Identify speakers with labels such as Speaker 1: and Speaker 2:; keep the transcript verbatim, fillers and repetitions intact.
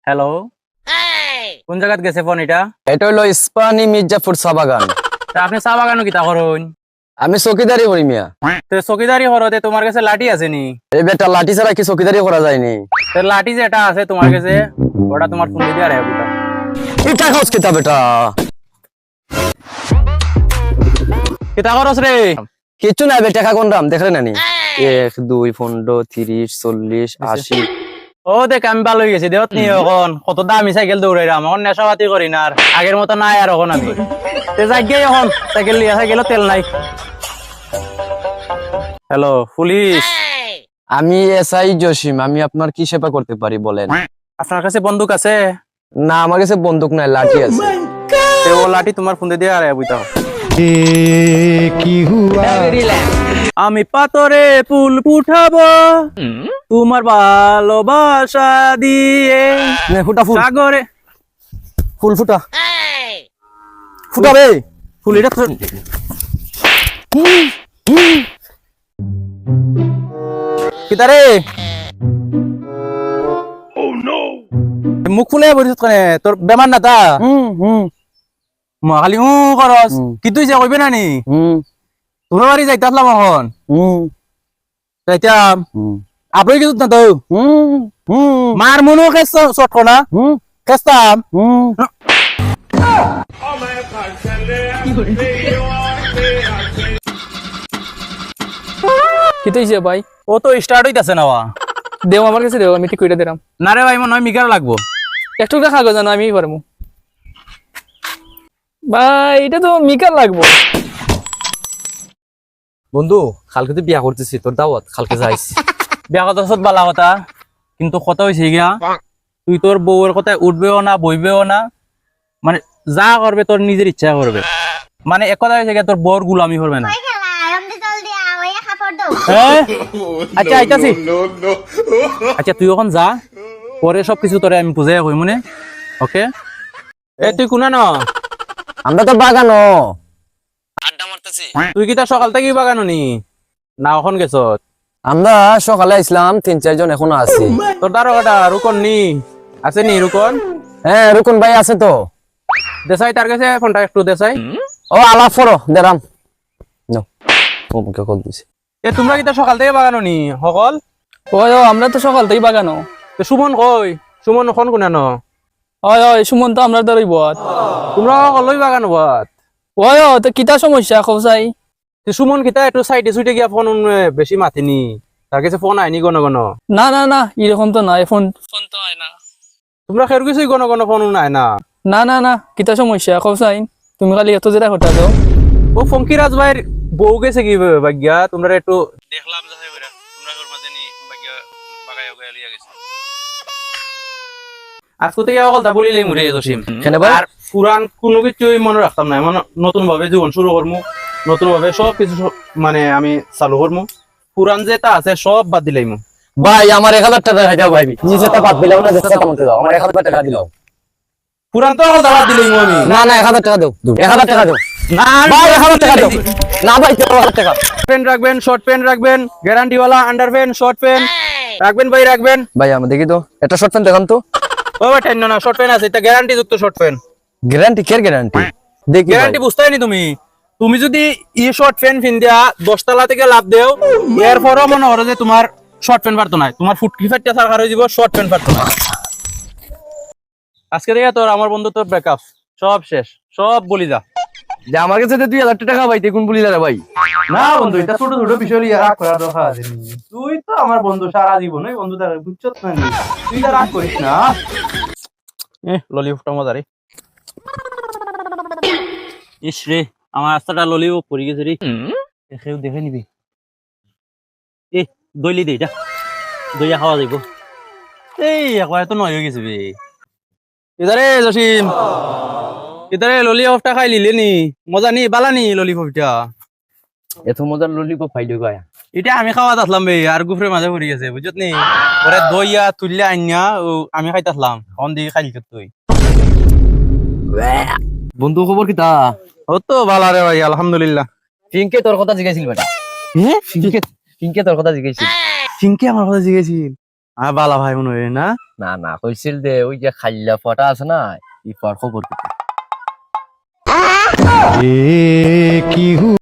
Speaker 1: Hello, কোন জায়গাত গেছে ফোন এটা?
Speaker 2: এটা হলো ইস্পানি মির্জাপুর চা বাগান।
Speaker 1: তা আপনি চা বাগানো কিতা করুন?
Speaker 2: আমি চকিদারি করি মিয়া।
Speaker 1: তো চকিদারি করতে তোমার কাছে লাঠি আছে নি?
Speaker 2: এই বেটা লাঠি ছাড়া কি চকিদারি করা যায়নি?
Speaker 1: তো লাঠি যেটা আছে তোমার কাছে ওটা তোমার ফোন দিয়ে আরে বুঝা।
Speaker 2: এটা খাওস কিতা বেটা?
Speaker 1: কিতা করছ রে?
Speaker 2: কিছু নাই বেটা, টাকা কোন দাম দেখলে নানি? এক দুই পনেরো তিরিশ চল্লিশ আশি।
Speaker 1: ও দেখ আমি ভালো হয়ে গেছি দেহত নিয়ে এখন কত দামি সাইকেল দৌড়াইলাম এখন নেশাপাতি করি না আর আগের মতো নাই আর এখন আমি তে যাই এখন সাইকেল নিয়ে সাইকেলও তেল নাই। হ্যালো পুলিশ,
Speaker 2: আমি এসআই জসিম, আমি আপনার কি সেবা করতে পারি বলেন?
Speaker 1: আপনার কাছে বন্দুক আছে?
Speaker 2: না আমার কাছে বন্দুক নাই, লাঠি আছে।
Speaker 1: তে ও লাঠি তোমার ফোন দিয়ে আরে বুঝা। আমি পাতরে ফুল ফুটাবো তোমার ভালোবাসা দিয়ে
Speaker 2: নে ফুটা ফুল,
Speaker 1: সাগরে
Speaker 2: ফুল ফুটা ফুটাবে
Speaker 1: ফুল এটা কিতারে মুখ ফুলে বলিস কেন? তোর বেমার না তা?
Speaker 2: হুম হুম
Speaker 1: মা খালি উ করস কি তুই যা কইবে না নি?
Speaker 2: হুম
Speaker 1: তোমার বাড়ি যাইতে আসলাম এখন
Speaker 2: হুম
Speaker 1: যাইতাম
Speaker 2: হুম
Speaker 1: আপনি কিছু না তো
Speaker 2: হুম হুম
Speaker 1: মার মনো খেস শর্ট কোনা
Speaker 2: হুম
Speaker 1: খেসতাম
Speaker 2: হুম
Speaker 3: কি তৈছে ভাই?
Speaker 1: ও তো স্টার্ট হইতাছে না ওয়া।
Speaker 3: দেও আমার কাছে দেও, আমি ঠিক কইরা দিলাম।
Speaker 1: না রে ভাই মনে হয় মিগার লাগবো।
Speaker 3: একটু দেখা গো জানো আমি পারমু ভাই, এটা তো মিকার লাগবো।
Speaker 2: বন্ধু কালকে তো বিয়া করতেছি, তোর দাওয়াত কালকে যাইস।
Speaker 1: বিয়া কথা সব বালা কথা কিন্তু কথা হয়েছে গিয়া তুই তোর বউয়ের কথায় উঠবেও না বইবেও না, মানে যা করবে তোর নিজের ইচ্ছা করবে, মানে এক কথা হয়েছে গিয়া তোর বউর গুলামি করবে না। হ্যাঁ? আচ্ছা আইতাছি। আচ্ছা তুই এখন যা, পরে সবকিছু তোরে আমি বুঝাই কই মনে। ওকে এ তুই কোনা ন?
Speaker 2: আমরা তো বাগানো
Speaker 1: তুই কি তার সকাল থেকেই বাগানো নি না এখন গেছ?
Speaker 2: আমরা সকালে আসলাম, তিন চারজন এখনো আছি।
Speaker 1: তোর দ্বারা ওটা রুকন নি আছে নি? রুকন
Speaker 2: হ্যাঁ রুকুন ভাই আছে তো।
Speaker 1: দেশাই তার কাছে ফোনটা একটু দেশাই।
Speaker 2: ও আলাপ করো দেরাম। নো ও মুখে কল দিছে।
Speaker 1: এ তোমরা কি তার সকাল থেকে বাগানো নি সকল?
Speaker 3: ওই ও আমরা তো সকাল থেকেই বাগানো।
Speaker 1: তো সুমন কই? সুমন এখন কোনা ন?
Speaker 3: ওই ওই সুমন তো আমরা দ্বারাই বত।
Speaker 1: তোমরা সকলই বাগানো বাদ।
Speaker 3: ওই ও তো কিতা সমস্যা খবসাই?
Speaker 1: তো সুমন কিতা একটু সাইডে সুইটে গিয়া ফোন বেশি মাতিনি, তার কাছে ফোন আইনি গণ গণ।
Speaker 3: না না না এরকম তো নাই, ফোন ফোন তো আয় না।
Speaker 1: তোমরা খের কিছুই গণ গণ ফোন নাই না?
Speaker 3: না না না কিতা সমস্যা খবসাই? তুমি খালি এত যেটা কথা দাও।
Speaker 1: ও ফঙ্কিরাজ ভাইয়ের বউ গেছে কি ভাগ্যা? তোমরা একটু দেখলাম যাই বেরা তোমরা ঘর মাঝে নি ভাগ্যা বাগায় গয়া লিয়া গেছে। আজকে থেকে সকলটা বলিলেই মুরে জসিম।
Speaker 2: কেন ভাই?
Speaker 1: আর পুরান কোনো কিছুই মনে রাখতাম না, মানে নতুন ভাবে জীবন শুরু করবো, নতুন ভাবে সব কিছু মানে আমি চালু করবো। পুরান যেটা আছে সব বাদ দিলাইমু।
Speaker 2: ভাই আমার এক হাজার টাকা দাও ভাই, নিজেটা বাদ দিলাম না, যেটা কমাতে দাও, আমার এক হাজার টাকা দিলাও।
Speaker 1: পুরান তো সকলটা বাদ দিলাইমু আমি।
Speaker 2: না না এক হাজার টাকা দাও, এক হাজার টাকা দাও
Speaker 1: না
Speaker 2: ভাই, এক হাজার টাকা দাও। না ভাই এক হাজার টাকা।
Speaker 1: পেন রাখবেন, শর্ট পেন রাখবেন, গ্যারান্টি ওয়ালা আন্ডার পেন, শর্ট পেন রাখবেন ভাই রাখবেন।
Speaker 2: ভাই আমি দেখি তো একটা শর্ট প্যান্ট দেখান তো।
Speaker 1: ও ভাই টেন না শর্ট পেন আছে, এটা গ্যারান্টি যুক্ত short pen.
Speaker 2: Guarantee care guarantee দেখি
Speaker 1: গ্যারান্টি বুঝতেই নি তুমি। তুমি যদি ই শর্ট পেন ফিন দিয়া দশতলা থেকে লাভ দেও, এরপরও মনে করো যে তোমার শর্ট পেন পারতো না, তোমার ফুটকি ফাটটা সার হয়ে যাব, শর্ট পেন পারতো না। আজকে থেকে তোর আমার বন্ধু তোর ব্রেকআপ সব শেষ, সব বলি যা।
Speaker 2: যে আমার কাছে দুই হাজার টাকা ভাই, দেখুন বলি দাদা ভাই।
Speaker 1: না বন্ধু এটা ছোট ছোট বিষয় নিয়ে রাগ করার দরকার আছে নি। তুই তো আমার বন্ধু সারা জীবন, ওই বন্ধু তার বুঝছত না নি? তুই তো রাগ করিস না। এ ললিপপটা মজা রে। ইস রে আমার রাস্তাটা ললিপপ পড়ে গেছে রে, দেখেও দেখে নিবি। এ দইলি দে যা, দইয়া খাওয়া যাইব। এই একবার তো নয় হয়ে গেছে বে। ইদারে জসিম ইদারে ললিপপটা খাই লিলে নি? মজা নি বালা নি ললিপপটা?
Speaker 2: এত মজার ললিপপ পাইলো গায়া।
Speaker 1: এটা আমি খাওয়াত আসলাম বে, আর গুফরের মাঝে পড়ে গেছে বুঝছত নি? পরে দইয়া তুললে আইনা আমি খাইতে আসলাম, অন দিকে খাইলি তুই।
Speaker 2: বন্ধু খবর কি তা?
Speaker 1: ও তো ভালো রে ভাই আলহামদুলিল্লাহ।
Speaker 2: পিঙ্কে তোর কথা জিজ্ঞাসিল বেটা।
Speaker 1: হ্যাঁ
Speaker 2: পিঙ্কে পিঙ্কে তোর কথা জিজ্ঞাসিল।
Speaker 1: চিংকে আমার কথা জিজ্ঞেছিল। আর বালা ভাই মনে হয় না
Speaker 2: না না কইছিল দে ওই যে খাইলা ফটা আছে না ই ফর খবর